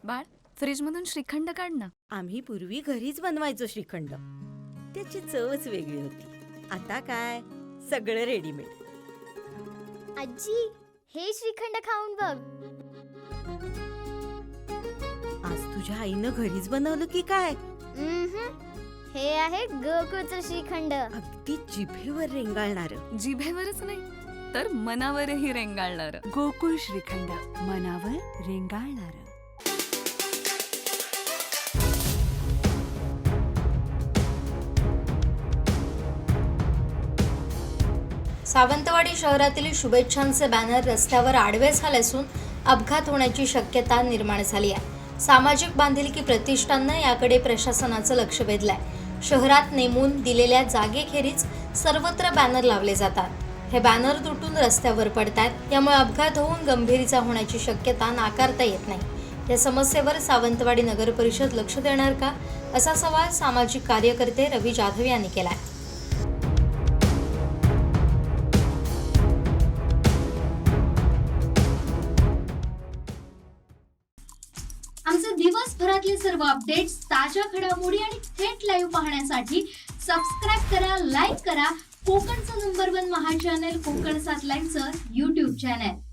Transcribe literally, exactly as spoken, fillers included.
बाळ, फ्रीजमधून श्रीखंड काढ ना. आम्ही पूर्वी घरीच बनवायचो श्रीखंड. त्याची चवच वेगळी होती. आता काय सगळं रेडीमेड. आजी, हे श्रीखंड खाऊन बघ. आज तुझ्या आईनं घरीच बनवलं की काय? उम्हम. हे आहे गोकुळचं श्रीखंड. अगदी जिभेवर रेंगाळणारं. जिभेवरच नाही तर मनावरही रेंगाळणार. गोकुळ श्रीखंड, मनावर रेंगाळणार. सावंतवाडी शहरातील शुभेच्छांचे बॅनर रस्त्यावर आडवे झाले असून अपघात होण्याची शक्यता निर्माण झाली आहे. सामाजिक बांधिलकी प्रतिष्ठाननं याकडे प्रशासनाचं लक्ष वेधलंय. शहरात नेमून दिलेल्या जागेखेरीज सर्वत्र बॅनर लावले जातात. हे बॅनर तुटून रस्त्यावर पडतात. यामुळे अपघात होऊन गंभीर इजा होण्याची शक्यता नाकारता येत नाही. या समस्येवर सावंतवाडी नगर परिषद लक्ष देणार का, असा सवाल सामाजिक कार्यकर्ते रवी जाधव यांनी केलाय. आमचे दिवसभरातले सर्व अपडेट्स, ताज्या घडामोडी आणि थेट लाईव्ह पाहण्यासाठी सबस्क्राईब करा, लाईक करा कोकणचं नंबर वन महा चॅनल कोकण सात लाईनचं यूट्यूब चॅनल.